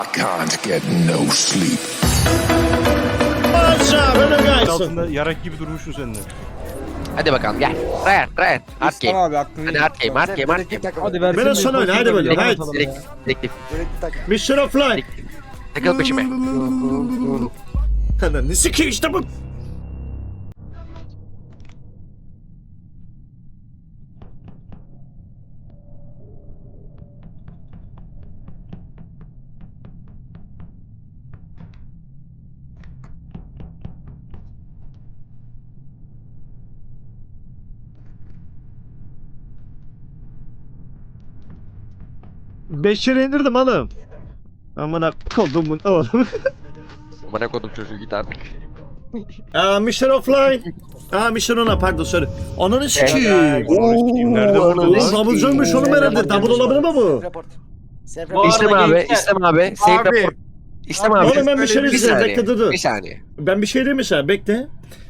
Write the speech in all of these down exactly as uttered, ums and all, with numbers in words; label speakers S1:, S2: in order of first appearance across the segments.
S1: I can't get no sleep.
S2: Altında yarak gibi durmuşsun sen de.
S3: Hadi bakalım gel. Ryan, Ryan. Hard
S4: İslam
S3: game.
S4: abi hakkını
S3: Hadi hard game, hard game, hard game.
S4: Hadi versin.
S5: Biraz sonra öyle, hadi böyle, hadi.
S3: Direkt, direkt,
S5: Mission of Life.
S3: direkt. Takıl peşime.
S5: Ne sikeyim işte bu. Beş lira indirdim oğlum. Amına koydum bunu oğlum.
S3: Bana kodum çocuğu git artık.
S5: Aa, Mission of Life. Aa, Mission ona pardon sorry. Ananı sikeyim.
S2: Nerede vurdu
S5: Oğlum
S2: lan?
S5: double jump'mış oğlum herhalde. Double olabilir mi bu?
S3: İstem abi, İstem abi. Save
S4: Abi.
S3: report. İstem abi.
S5: Oğlum ben bir şey
S3: Bir
S5: diyeceğim.
S3: saniye,
S5: Bekle dur dur.
S3: bir saniye.
S5: Ben bir şey diyeyim mi sana? Bekle.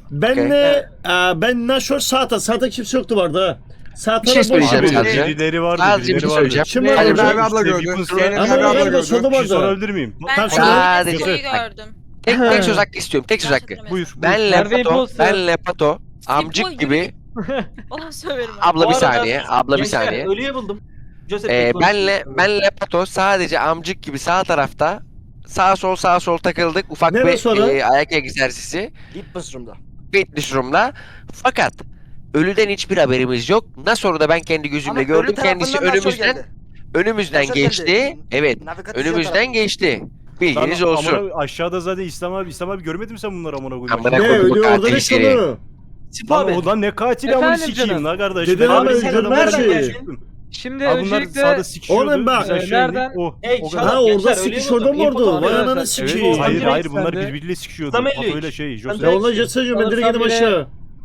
S5: Benle, aa, ben Nashor Saat'a. Saat'a kimse yoktu vardı ha. Saat'a
S3: Bir şey söyleyeceğim
S2: Abi,
S3: sadece.
S2: birileri vardı,
S3: Sadece bir
S2: birileri
S3: şey
S2: vardı.
S3: söyleyeceğim.
S5: Kim
S3: Hadi
S5: vardı?
S3: bakalım.
S4: Merve abla
S2: İşte
S4: gördü.
S2: Weapons
S4: Senin
S2: var.
S5: Ama
S4: Merve abla
S5: nerede
S4: gördü.
S5: solda
S2: Bir şey
S5: vardı?
S2: sorabilir miyim?
S5: Tamam,
S6: Ben
S5: söyle.
S6: sadece
S3: Sadece-
S6: şeyi gördüm.
S3: Tek, tek söz hakkı istiyorum, tek söz hakkı.
S2: Buyur.
S3: Benle
S7: Merve
S3: Pato,
S7: imposter.
S3: benle Pato, amcık
S6: boy
S3: gibi.
S6: Ona söylerim.
S3: Abla bir
S7: arada-
S3: saniye, abla bir
S7: Gençler,
S3: saniye.
S7: Ölüye buldum. Joseph
S3: Ee,
S7: Bey
S3: benle, benle Pato sadece amcık gibi sağ tarafta sağ sol sağ sol takıldık. Ufak
S5: Nerede
S3: bir
S5: sonra?
S3: e, ayak egzersizi.
S4: Fitness room'da.
S3: Fitness room'la. Fakat ölüden hiçbir haberimiz yok. Nasıl da ben kendi gözümle gördüm. Kendisi önümüzden önümüzden
S4: Nasıl
S3: geçti.
S4: geldi?
S3: Evet.
S4: Navigasyon
S3: Önümüzden
S4: tarafı.
S3: geçti. Bilginiz
S2: Lan,
S3: olsun.
S2: amına- aşağıda zaten İslam abi, İslam abi görmedin mi sen bunları amına koyayım?
S3: Amına
S5: Ne
S3: koydum bu
S5: ölüyor orada
S3: katil
S5: ne
S3: seni.
S5: sonu?
S7: Sip
S2: Lan
S7: abi.
S2: o lan ne katili amına
S7: Efendim
S2: sikeyim
S7: canım.
S2: la kardeş.
S5: Dedin
S2: Ben
S5: ama
S2: abi
S5: öldürme
S2: senden
S5: her
S2: nereden
S5: şeyi.
S2: geçtim?
S7: Şimdi
S2: Abi bunlar
S7: öncelikle
S2: sağda sikişiyordu.
S5: Oğlum bak,
S2: biz aşağı
S7: nereden-
S2: indik. Oh,
S7: Hey,
S2: o
S7: şaka-
S2: kadar.
S5: Ha orada
S7: Gençler,
S5: sikiş
S7: ölüyor
S5: orada mı
S7: musun?
S5: orada?
S7: İmpotu
S5: Vay
S7: arkadaşlar.
S5: ananı
S2: Evet,
S5: sikeyim.
S2: hayır
S7: Direkt
S2: hayır bunlar
S7: sende.
S2: birbiriyle sikişiyordu.
S7: Sanırım
S2: Pato ile
S7: üç.
S2: şey, Joseph.
S5: Ya onunla geçsene ben direkt gidip aşağı.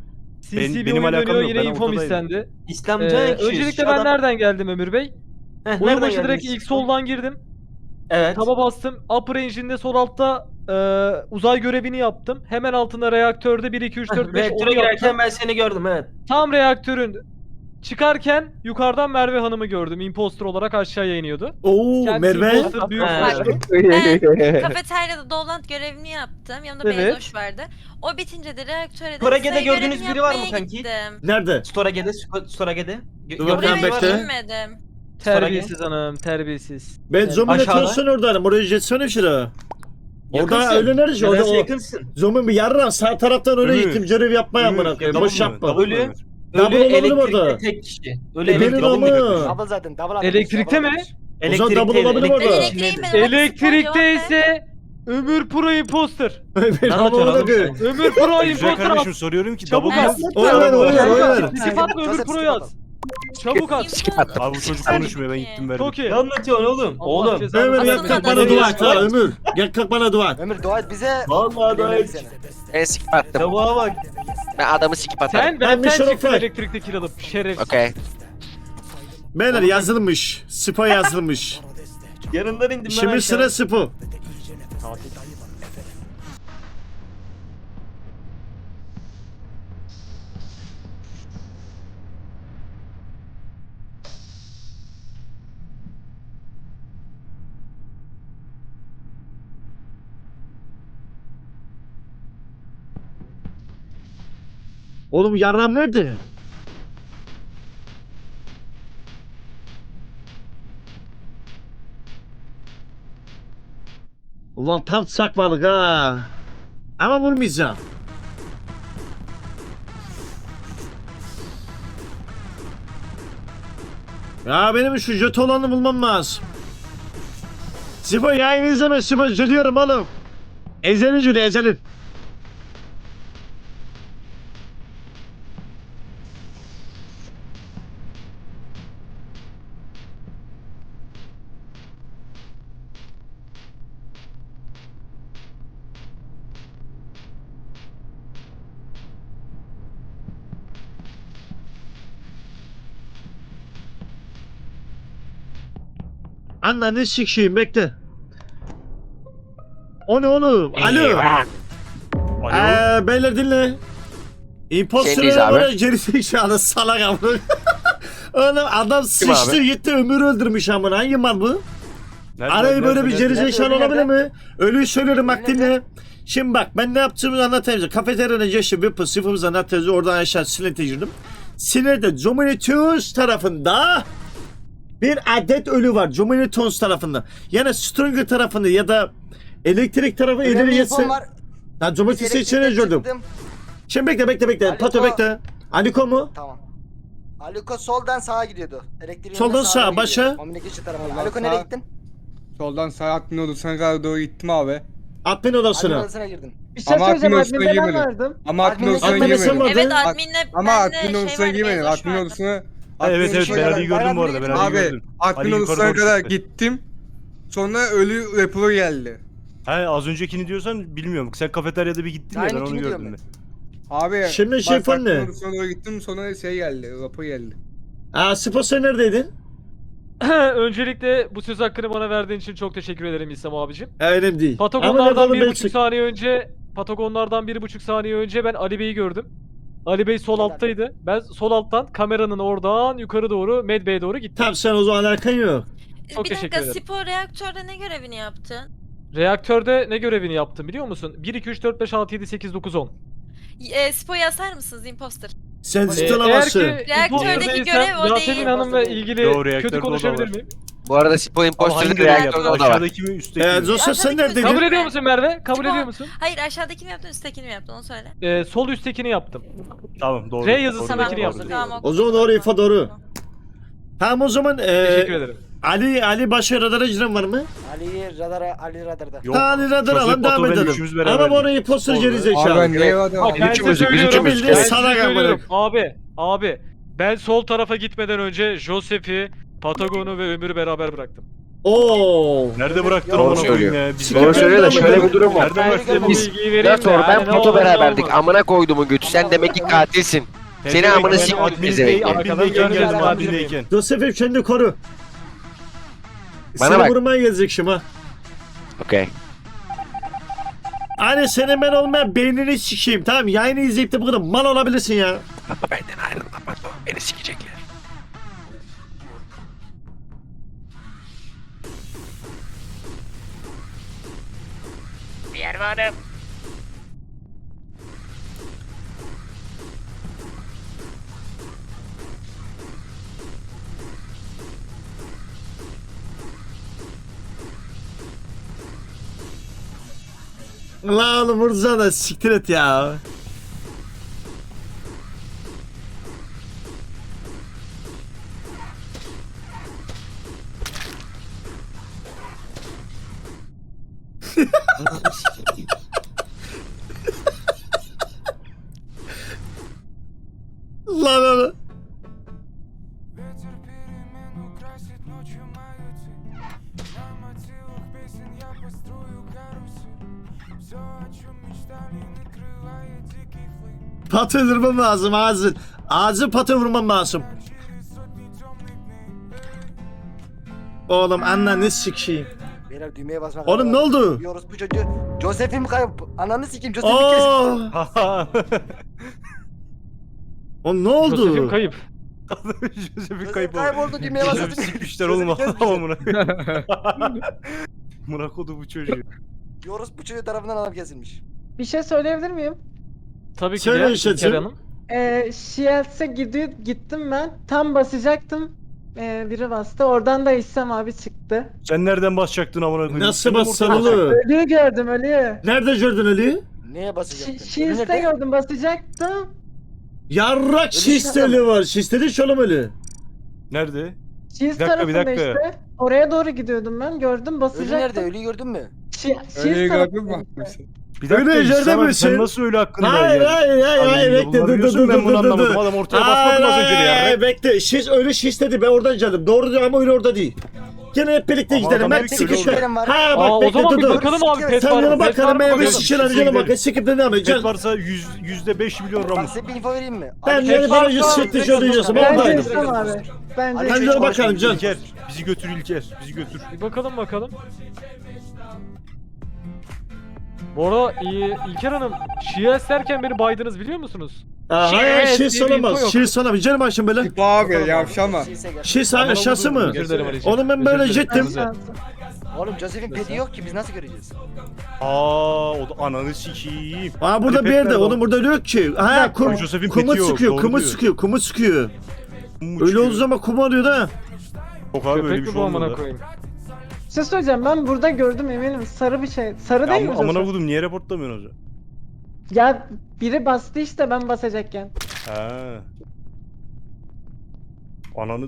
S7: C
S2: Ben-
S7: C bir
S2: benim
S7: oyun
S2: alakam
S7: dönüyor,
S2: yok,
S7: yine
S2: ben
S7: infom
S2: ortadayım.
S7: istendi.
S8: İslamcı
S7: Ee,
S8: kişiyiz.
S7: öncelikle
S8: Şu
S7: ben
S8: adam-
S7: nereden geldim Ömür Bey?
S8: Heh,
S7: Oyun
S8: nereden
S7: başı direkt
S8: geldiniz?
S7: ilk soldan girdim.
S8: Evet.
S7: Taba bastım. Upper Engine'de sol altta e, uzay görevini yaptım. Hemen altında reaktörde bir iki üç dört beş
S8: Reaktöre
S7: onu yaptım.
S8: girerken ben seni gördüm evet.
S7: Tam reaktörün çıkarken yukarıdan Merve Hanım'ı gördüm. Imposter olarak aşağıya iniyordu.
S5: Oo
S7: Kendisi
S5: Merve.
S7: imposter, büyük
S8: Ha.
S7: konuştu.
S6: Ben kafeteryada Dolant görevini yaptım. Yanımda
S7: Evet.
S6: Beyzoş vardı. O bitince de reaktöre de
S8: Storage'de
S6: size
S8: gördüğünüz
S6: görevini
S8: biri var mı
S6: yapmaya
S8: kanki?
S6: gittim.
S5: Nerede?
S8: Storage'de, Sto- Storage'de. Gö-
S5: Dur
S8: gördüğünüz
S5: bakalım,
S8: biri var
S5: bekle.
S8: mı?
S6: Bilmedim.
S7: Terbiyesiz hanım, terbiyesiz.
S5: Ben zombiyle
S8: Aşağıda.
S5: çalışsın oradayım. Oraya geçsene şuraya. Orada
S8: Yakınsın.
S5: öyle nerede? Orada
S8: Nedense
S5: o.
S8: yakınsın.
S5: Zombi bir yarram sağ taraftan öne
S2: Ömür.
S5: gittim. Görev yapmaya
S2: Ömür,
S5: amına koyayım.
S2: double
S5: Boş
S2: mı?
S5: yapma.
S2: Double
S8: Ölü.
S2: mı?
S5: Double
S8: Ölü
S5: olabilir
S8: elektrikte
S5: orada.
S8: tek kişi.
S5: E,
S8: Ölü
S5: benim
S8: elektrikte.
S5: ama.
S4: Double zaten double atmış,
S7: Elektrikte
S4: double
S7: mi?
S4: atmış.
S5: O zaman double olabilir
S6: Ben
S5: orada.
S6: elektriğim ben.
S7: Elektrikte ise Ömür Pro Imposter.
S5: Ben
S8: Ne
S5: ama
S8: anlatıyorsun
S5: ona
S8: oğlum
S5: koyayım.
S7: Ömür Pro
S2: Güzel
S7: Imposter
S2: kardeşim
S7: at.
S2: soruyorum ki
S7: Çabuk
S2: double
S7: at.
S2: mı?
S5: Oynar oynar oynar.
S7: Skip atma Ömür
S4: Joseph,
S7: Pro'yu
S4: skip
S7: at. Çabuk at.
S3: Skip attım.
S2: Abi bu çocuk konuşmuyor ben gittim verdim.
S7: Çok iyi.
S8: Ne anlatıyorsun oğlum?
S7: Allah
S8: Oğlum.
S7: cezanı
S5: Ömür
S7: versin.
S5: gel
S6: Aslında
S5: kalk bana
S6: da-
S5: dua et ha Ömür. Gel kalk bana dua et.
S4: Ömür dua et bize.
S8: Vallahi daha
S4: Dinlerim
S8: hiç.
S4: seni.
S3: Ben skip attım.
S8: Tavuğa bak.
S3: Ben adamı skip atarım.
S7: Sen
S5: Ben
S7: benden
S5: Mission of
S7: çıktın
S5: Life.
S7: elektrikte kill alıp şeref.
S3: Okey.
S5: Beyler yazılmış. Spa yazılmış.
S8: Yanından indim ben
S5: Şimdi
S8: aşağı.
S5: sıra Spa. Oğlum yarram nerede? Ulan tam sakmalık ha. Ama vurmayacağım. Ya benim şu jöt olanı bulmam lazım. Sipo yayını izleme Sipo söylüyorum oğlum. Ezelin Jüli ezelin. Ananı sikeyim bekle. O ne oğlum? Alo.
S2: Alo.
S5: Eee beyler dinle.
S3: Sendeyiz
S5: İmposter'ı
S3: abi.
S5: böyle geri zekalı salak amına. Oğlum adam sıçtı
S3: abi?
S5: gitti ömür öldürmüş amına. Hangi mal bu?
S2: Nerede,
S5: Arayı böyle
S2: nerede,
S5: bir
S2: nerede?
S5: gerizekalı
S4: Nerede,
S5: olabilir
S4: nerede?
S5: mi? Ölüyü söylüyorum bak
S4: Nerede?
S5: dinle. Şimdi bak ben ne yaptığımı anlatayım size. Kafeteryanın yaşı bir sıfırımız anlatıyoruz. Oradan aşağı Sinet'e girdim. Sinet'te Dominators tarafında bir adet ölü var. Dominators tarafında. Yani Stringer tarafında ya da elektrik tarafı ileri
S4: Önemli
S5: geçse.
S4: infom var.
S5: Ben Dominators'u içine
S4: Elektrikten
S5: gördüm.
S4: çıktım.
S5: Şimdi bekle bekle bekle.
S4: Aliko.
S5: Pato bekle. Aliko mu?
S4: Tamam. Aliko soldan sağa gidiyordu. Elektriğin
S5: Soldan
S4: yanına
S5: sağa,
S4: gidiyor.
S5: başa.
S4: Communication tarafına.
S9: Soldan
S4: Aliko
S9: sağa.
S4: nereye gittin?
S9: Soldan sağ admin odasına kadar doğru gittim abi.
S5: Admin
S4: Admin
S5: odasına.
S4: odasına girdin.
S7: Bir şey
S9: Ama
S7: söyleyeceğim
S9: admin odasına
S7: adminde ben
S9: girmedim.
S7: vardım.
S9: Ama admin
S4: Admin'e-
S9: odasına
S5: Admin'e sen
S9: girmedim.
S5: vardın.
S6: Evet
S9: Ad-
S6: adminle
S9: Ama
S6: bende
S9: admin
S6: şey
S9: odasına
S6: vardı,
S9: girmedim.
S6: Bezoş
S9: Admin
S6: vardı.
S9: odasına...
S2: Ha,
S9: admin
S2: evet evet
S9: odasına-
S2: ben Ali'yi gördüm bu arada. Ben Ali'yi
S9: Abi
S2: gördüm.
S9: admin
S2: Ali yukarı
S9: odasına
S2: doğru
S9: kadar
S2: çıktı.
S9: gittim. Sonra ölü raporu geldi.
S2: He az öncekini diyorsan bilmiyorum. Sen kafeteryada bir gittin ya ben onu
S4: Aynınkini
S2: gördüm
S4: diyorum
S2: ben.
S9: Abi
S5: Şimdi şey
S9: bak,
S5: falan
S9: admin
S5: ne?
S9: odasına doğru gittim sonra şey geldi. Rapor geldi.
S5: Aa Spo sen neredeydin?
S7: Öncelikle bu söz hakkını bana verdiğin için çok teşekkür ederim İslam abicim.
S5: Ha, önemli değil. Ama
S7: Patagonlardan
S5: nereden
S7: bir
S5: ben
S7: buçuk
S5: çık-
S7: saniye önce Patagonlardan bir buçuk saniye önce ben Ali Bey'i gördüm. Ali Bey sol
S4: Helal.
S7: alttaydı. Ben sol alttan kameranın oradan yukarı doğru Med Bey'e doğru gittim.
S5: Tamam sen o zaman alakan yok.
S7: Çok
S6: bir
S7: teşekkür
S6: dakika
S7: ederim.
S6: spor reaktörde ne görevini yaptın?
S7: Reaktörde ne görevini yaptım biliyor musun? bir, iki, üç, dört, beş, altı, yedi, sekiz, dokuz, on.
S6: E, Spo'yu asar mısınız imposter?
S5: Sen
S7: Ee,
S5: zıtın
S7: eğer
S5: havası.
S7: ki
S6: Reaktördeki
S7: imposter'daysem
S6: görev o
S7: Yasemin
S6: değil.
S7: Hanım'la ilgili
S2: Yo, reaktörde
S7: kötü
S2: o da
S7: konuşabilir
S2: var.
S7: miyim?
S3: Bu arada Spo
S2: Ama
S3: imposter'lık
S2: hangi görevi yaptın?
S3: reaktörde o da var.
S2: Aşağıdaki mi üstteki
S5: Ee,
S2: mi?
S5: Zosa sen
S6: Aşağıdaki
S5: neredeydin?
S7: Kabul
S6: Değil
S7: ediyor
S6: mi?
S7: musun Merve? Kabul
S6: Tamam.
S7: ediyor musun?
S6: Hayır aşağıdakini mi yaptın üsttekini mi yaptın onu söyle.
S7: Ee, sol üsttekini yaptım.
S2: Tamam doğru.
S7: R
S2: doğru,
S7: yazısındakini
S2: doğru,
S7: yaptım.
S2: doğru.
S6: Tamam,
S5: O zaman doğru info doğru. Tamam o zaman
S7: Teşekkür
S5: ee,
S7: ederim.
S5: Ali Ali başka radara giren var mı?
S4: Ali radara, Ali radarda.
S2: Yok.
S5: Ha Ali radar
S2: Joseph
S5: alalım devam
S2: Pato ben
S5: edelim.
S2: üçümüz beraber
S5: Ama bu orayı
S2: gittik.
S5: poster
S2: Doğru.
S5: geri
S9: Abi
S5: zekalı.
S9: ben niye vardım?
S7: Bak ben size
S3: üçümüzük, biz
S7: söylüyorum.
S3: üçümüz.
S7: Ben size
S5: Salak
S7: söylüyorum.
S5: amına.
S7: Abi, abi. Ben sol tarafa gitmeden önce Joseph'i, Patagon'u ve Ömür'ü beraber bıraktım.
S5: Oo.
S2: Nerede bıraktın
S4: Doğru
S2: amına koyayım
S3: söylüyor.
S2: ya? Biz
S5: Doğru söylüyor da şöyle
S3: bir durum var.
S2: Nerede
S4: Ben
S2: bıraktın?
S4: görmedim.
S7: Bu bilgiyi vereyim
S3: Nator
S7: de,
S3: ben
S7: yani ne
S3: Pato
S7: olur ne
S3: beraberdik.
S7: olmaz.
S3: Amına koyduğumun götü. Sen demek ki katilsin. Seni amına
S2: Ben
S3: sikeyim
S2: admindeyken-
S3: pezevenk.
S2: Admindeyken geldim
S4: Arkadan
S2: admindeyken.
S5: Joseph'im kendini koru.
S3: Bana
S5: Seni
S3: bak.
S5: vurmaya gelecek şimdi ha.
S3: Okey.
S5: Hani senin ben olmayan beynini sikeyim tamam yayını izleyip de bu kadar mal olabilirsin ya.
S3: Ama benden ayrılma Pato. Beni sikecekler. Bir yer varım.
S5: La oğlum vursana siktir et ya. Lan lan. Patı vurmam lazım ağzı. Ağzı patı vurmam lazım. Oğlum ananı sikeyim.
S4: Beyler düğmeye basmak
S5: Oğlum ne oldu?
S4: Diyoruz bu çocuğu. Joseph'im kayıp. Ananı sikeyim Joseph'im kesin.
S5: Oo. Oğlum ne oldu?
S7: Joseph'im kayıp.
S2: Joseph'in
S4: Joseph
S2: kayıp oldu.
S4: kayboldu düğmeye
S2: Joseph'i
S4: basın.
S2: sikmişler oğlum amına. Amına kodu bu çocuğu.
S4: Diyoruz bu çocuğu tarafından adam kesilmiş.
S10: Bir şey söyleyebilir miyim?
S7: Tabii ki
S5: Söyle
S7: de
S5: işte,
S7: İlker
S5: söyle.
S7: Hanım.
S10: Ee, Shields'e gidiyor, gittim ben. Tam basacaktım. Ee, biri bastı. Oradan da İhsan abi çıktı.
S2: Sen nereden basacaktın amına koyayım?
S5: Nasıl
S2: Sen de mi
S5: bassan
S2: ortada
S5: oğlum?
S10: Ölüyü gördüm ölüyü.
S5: Nerede gördün Ali?
S4: Neye
S10: Ş-
S4: basacaktın?
S10: Shields'te gördüm basacaktım.
S5: Yarrak şisteli var. Şisteli şolum ölü.
S2: Nerede?
S10: Shields
S2: dakika, bir
S10: tarafında
S2: dakika.
S10: işte. Oraya doğru gidiyordum ben. Gördüm
S4: Ölü
S10: basacaktım.
S4: nerede? Ölüyü gördün mü?
S10: Şi-
S9: Ölüyü
S10: Shields
S9: gördün mü?
S10: tarafında işte.
S2: Bir dakika
S5: Öyle
S2: İhsan
S5: yerde
S2: abi,
S5: misin?
S2: sen nasıl öyle hakkında
S5: Hayır
S2: geldin?
S5: hayır hayır hayır
S2: Allah'ım,
S5: bekle dur dur
S2: bulabiliyorsun,
S5: dur
S2: ben bunu
S5: dur dur
S2: anlamadım.
S5: dur.
S2: Adam ortaya basmadın az önce de
S5: Hayır,
S2: ya.
S5: bekle şiş öyle şiş dedi ben oradan geldim. Doğru diyor ama öyle orada değil. Gene hep birlikte
S2: Ama
S5: gidelim.
S2: adam
S5: Ben
S2: dedi ki
S5: sikişme.
S2: öyle
S4: oldu.
S5: Ha
S7: Aa,
S5: bak
S7: o
S5: bekle
S7: zaman
S5: dur
S7: bir
S5: dur.
S7: bakalım abi. Pet
S5: Sen
S7: var
S5: yana
S7: mı? Pet var
S5: bakalım
S7: mı?
S5: ben bir
S7: Bakalım.
S5: sikişelim gelin bak. Sikip de devam
S2: Pet
S5: edeceğiz.
S2: varsa yüz, yüzde beş milyon
S4: Bak
S2: Ramus.
S4: size bir info vereyim mi?
S5: Ben
S4: Ali-
S5: yeni bana yüz
S7: varsa-
S5: sekti söyleyeceğim.
S10: Bence
S5: Oradaydım.
S10: İhsan abi. Bence
S4: Ali-
S5: Ben
S4: Hiç
S5: de bakalım can.
S2: İlker, bizi götür İlker, bizi götür.
S7: Bir bakalım bakalım. Bu arada İ- İlker Hanım, Shields derken beni baydınız biliyor musunuz?
S5: Aa,
S7: Şiş
S5: hayır şiş
S7: diye bir info
S5: olamaz.
S7: yok.
S5: Şiş sana bir canım açın böyle.
S9: Tip abi yavşama.
S4: Şeyse gel.
S5: Şiş
S7: Amına
S5: aşağısı
S7: koydum,
S5: mı?
S7: özür dilerim Ali'ciğim.
S5: Onu ben böyle
S7: Özür dilerim.
S5: jettim.
S7: Özür dilerim.
S4: Oğlum Joseph'in pedi yok ki biz nasıl göreceğiz?
S2: Aa o da ananı sikiyim.
S5: Aa burada
S2: Hadi
S5: bir yerde
S2: petler
S5: oğlum burada yok ki. Ha kum,
S2: Joseph'in
S5: kumu
S2: peti yok,
S5: sıkıyor,
S2: doğru
S5: kumu
S2: diyor.
S5: sıkıyor, kumu sıkıyor.
S2: Kumu
S5: Öyle
S2: çıkıyor.
S5: olduğu zaman kum arıyor da.
S2: Yok abi öyle
S7: Köpek
S2: bir
S7: mi
S2: şey
S7: bu amına
S2: olmadı.
S7: koyayım?
S10: Bir şey söyleyeceğim, ben burada gördüm eminim. Sarı bir şey. Sarı değil mi
S2: Am amına
S10: Joseph?
S2: kodum niye reportlamıyorsun hocam?
S10: Ya biri bastı işte ben basacakken.
S2: Ha. Ananı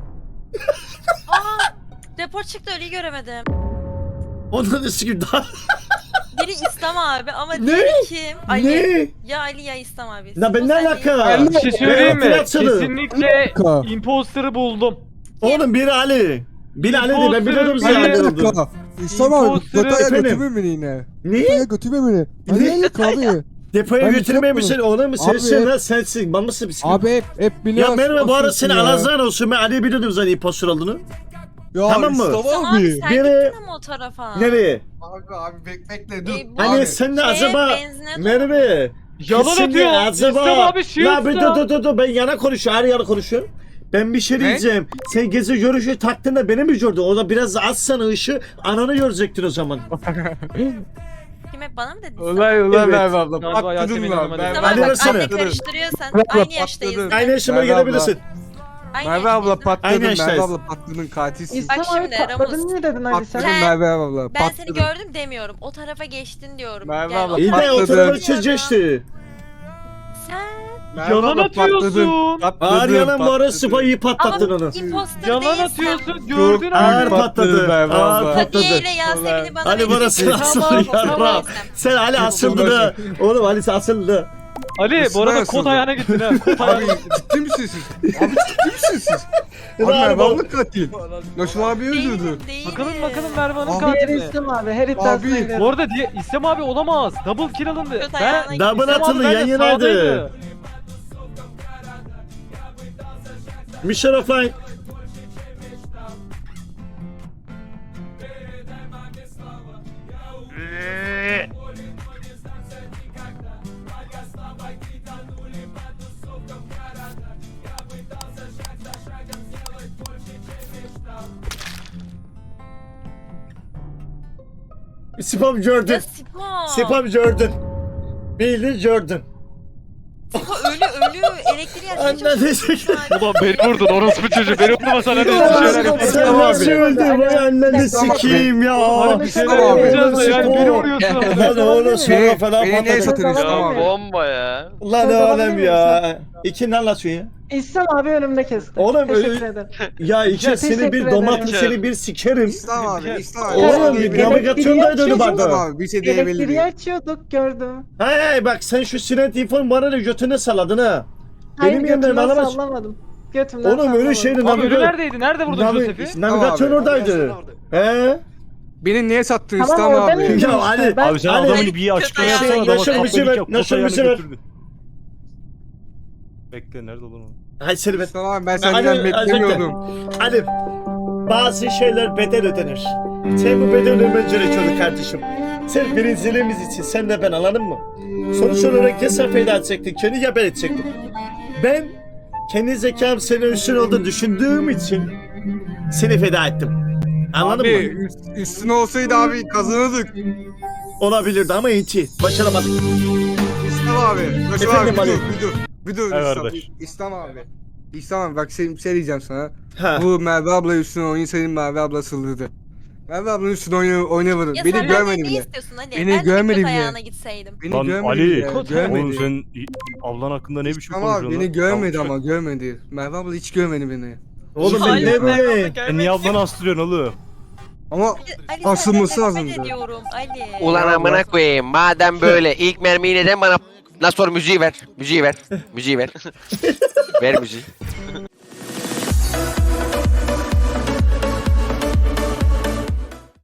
S6: Aa! Rapor çıktı ölüyü göremedim.
S5: Ondan da sıkıyor daha.
S6: Biri İslam abi ama
S5: Ne?
S6: diğeri kim? Ali.
S5: Ne?
S6: Ya Ali ya İslam abi.
S5: Ya ben
S6: O
S5: ne
S6: sen
S5: alaka?
S6: değil.
S7: Bir şey söyleyeyim mi?
S5: Hatırlatsana.
S7: Kesinlikle imposter'ı buldum.
S5: Oğlum biri Ali. Biri Ali değil ben biliyordum
S7: Imposter,
S5: sen Ali
S7: Ali.
S5: olduğunu.
S9: İslam
S7: abi,
S9: Gota'ya
S5: efendim.
S9: götürme beni yine.
S5: Ne?
S9: Gota'ya götürme beni.
S5: Ne?
S9: abi.
S5: Depoya
S9: Ben bir şey
S5: götürmemişsin oğlum
S9: Abi
S5: sensin
S9: hep-
S5: lan sensin. Ben mısın bir
S9: Abi hep, hep
S5: Ya
S9: biliyorsun.
S5: merhaba bu arada seni
S9: ya.
S5: Alazan olsun ben Ali'yi biliyordum zaten impostor olduğunu.
S9: Ya
S5: Tamam mı?
S9: İslam
S6: İslam
S9: abi.
S6: abi sen
S5: Nereye?
S6: gittin ama o tarafa.
S5: Nereye?
S9: Abi abi bek bekle dur.
S6: Ee, bu-
S5: Hani
S9: Abi.
S5: sen de
S6: Şeye,
S5: acaba
S6: benzine
S5: Merve.
S7: Yalan
S5: kesin de
S7: atıyor. İslam abi
S5: La bir dur
S7: shield'da.
S5: dur dur dur ben yana konuşuyorum her yana konuşuyorum. Ben bir şey
S9: Ne?
S5: diyeceğim. Sen gezi görüşü taktığında beni mi gördün? O da biraz azsana ışığı ananı görecektin o zaman.
S6: Kim hep bana mı dedin?
S9: Ulan ulan
S5: Evet.
S9: Merve abla
S7: Galiba Yasemin
S9: patladım
S7: Hanım'a
S9: lan.
S7: dedim.
S6: Tamam
S5: Ali
S6: bak
S5: versene.
S6: anne karıştırıyorsan
S9: Merve
S6: aynı
S9: patladın.
S6: yaştayız.
S5: Aynı yaşıma
S9: Merve abla.
S5: gelebilirsin.
S6: Aynı
S9: Merve abla
S6: yaştayız.
S9: patladın
S5: Aynı
S9: Merve
S5: yaştayız.
S9: abla patladın katilsin.
S10: İslam
S6: Bak
S10: abi
S6: şimdi,
S10: patladın
S6: Ramus.
S10: niye dedin Ali sen?
S9: Patladın
S6: Sen-
S9: Merve abla
S6: Ben seni
S9: patladın.
S6: gördüm demiyorum. O tarafa geçtin diyorum.
S9: Merve
S6: Yani
S9: abla,
S6: o
S5: İyi de
S6: tarafa
S5: o
S9: Patladı.
S5: tarafa
S6: geçtin
S5: geçti.
S6: diyorum. Sen
S9: Merve
S7: Yalan
S9: abla
S7: atıyorsun.
S9: patladın,
S5: Ağır yalan bu ara
S9: patladın.
S5: sıfayı patlattın
S6: ama
S5: onu.
S6: imposter
S7: Yalan
S6: değilsen.
S7: atıyorsun. Gördün
S5: Ağır
S7: abi.
S5: patladı.
S9: Merve
S5: Ağır
S9: abla.
S5: patladı.
S6: Hadiye ile Yasemin'i bana
S5: Ali
S6: vereceksin.
S5: burası
S6: Tamam,
S5: asıldı
S6: tamam,
S5: yarra.
S6: tamam.
S5: Sen Ali asıldı da. Oğlum Ali asıldı.
S7: Ali bu arada
S9: Nasıl
S7: kod
S9: oldu?
S7: ayağına gittin ha. Kod
S9: Abi
S7: ayağına.
S9: ciddi misiniz siz? Abi ciddi misiniz siz? Abi
S5: Ulan
S9: Merve
S5: bak-
S9: abla katil. Naşım abi öldürdü.
S6: Değilim, değilim.
S7: Bakalım bakalım Merve Hanım
S9: Abi,
S10: Diğeri
S7: katili.
S10: İslam abi her iddiasına
S9: Abi,
S10: gidelim.
S7: Bu arada diye, İslam abi olamaz. Double kill alındı.
S6: Kötü
S7: Ben
S6: ayağına
S5: Double
S7: İslam abi
S5: atıldı
S7: bence
S5: yan yanaydı.
S7: sağdaydı.
S5: Mission offline. Spam
S6: Ya
S5: gördün.
S6: Sipo.
S5: Spam gördün. Bildin gördün.
S6: Sipo ölü ölü elektriği açmaya
S5: Anladın.
S6: çalışıyor.
S7: Ulan beni vurdun orospu çocuğu. Beni vurmasan hadi bir şeyler yapalım.
S5: Sen nasıl öldün? Vay anneni sikeyim ya.
S7: Hadi bir şeyler
S9: Tamam abi.
S7: yapacağız da yani beni vuruyorsun.
S5: Lan oğlum sonra
S9: Beni,
S5: falan
S9: beni niye
S5: patladı.
S9: satıyorsun İslam
S10: Ya,
S9: abi?
S3: Bomba ya.
S5: Lan
S10: Sen
S5: oğlum
S10: alabilir
S5: ya. İki ne anlatıyor ya?
S10: İslam abi önümde kesti.
S5: Oğlum,
S10: Teşekkür
S5: öyle-
S10: ederim.
S5: Ya iki
S10: Ya,
S5: seni
S10: teşekkür
S5: bir
S10: ederim.
S5: domates seni bir sikerim.
S9: İslam abi, İslam abi.
S5: Oğlum
S10: Evet,
S5: bir navigasyondaydı öyle
S10: elektriği
S5: barda.
S9: İslam abi bir şey diyebilir
S10: Elektriği
S9: miyim?
S10: açıyorduk gördüm.
S5: Hay hay bak sen şu sinet infonu bana da götüne salladın ha.
S10: Hayır
S5: Benim yanımda
S10: götümden
S5: alamaz.
S10: sallamadım. Götümden
S5: Oğlum öyle
S10: sallamadım.
S5: şeydi
S7: Abi ölü
S5: navigasyon.
S7: neredeydi? Nerede vurdun Joseph'i?
S5: Navigasyon
S9: Tamam abi.
S5: oradaydı. He?
S9: Beni niye sattın
S10: Tamam,
S9: İslam
S10: oradan
S9: abi?
S10: indim
S5: Ya
S10: işte.
S5: Ali,
S10: Ben-
S2: Abi sen
S5: Ali-
S2: adamın bir açıklama
S6: Kötü
S2: yapsana
S6: ayağı.
S2: adama
S5: Yaşar
S2: kapıyı
S5: bizi ver,
S2: yap,
S5: Yaşar
S2: kod
S5: bizi
S2: ayağına
S5: ver.
S2: götürdü. Bekle nerede lan o?
S5: Hay seni ben.
S9: İslam abi ben
S5: Ali-
S9: senden
S5: Ali-
S9: beklemiyordum.
S5: Ali bazı şeyler bedel ödenir. Sen bu bedel ödemen gerekiyordu kardeşim. Sen birinciliğimiz için sen de ben anladın mı? Sonuç olarak ya sen feda edecektin kendi ya ben edecektim. Ben kendi zekam senin üstün olduğunu düşündüğüm için seni feda ettim. Anladın
S9: Abi
S5: mı?
S9: üst- üstüne olsaydı abi kazanırdık.
S5: Olabilirdi ama inti. Başaramadık.
S9: İslam abi. Naşım
S5: Efendim
S9: abi
S5: Ali.
S9: bir dur bir dur. Bir dur
S2: Evet
S9: İslam,
S2: kardeş.
S9: İslam abi. İslam abi bak şey, şey diyeceğim sana.
S5: Ha.
S9: Bu Merve abla üstüne oyun senin Merve abla saldırdı. Merve ablanın üstüne oyunu oynamadı.
S6: Ya
S9: Beni
S6: sen
S9: görmedi
S6: benden ne
S9: bile.
S6: istiyorsun Ali?
S9: Beni
S6: ben de
S9: görmedi
S6: kötü
S9: bile.
S6: ayağına gitseydim.
S9: Beni
S2: Lan
S9: görmedi
S2: Ali,
S9: bile.
S7: Kod-
S9: Görmedi.
S2: Oğlum sen ablan hakkında ne biçim
S9: Ama
S2: konuşuyorsun
S9: beni
S2: lan?
S9: görmedi
S2: Tamam,
S9: ama görmedi. Merve abla hiç görmedi beni.
S5: Oğlum ben
S6: Ali,
S5: ne böyle?
S2: E niye ablanı astırıyorsun oğlum?
S9: Ama
S6: Ali
S9: Asılması
S6: senden nefret
S9: lazımdı.
S6: ediyorum Ali.
S3: Ulan amına koyayım. Madem böyle ilk mermiyi neden bana... Nasıl müziği ver. Müziği ver. Müziği ver. Ver müziği.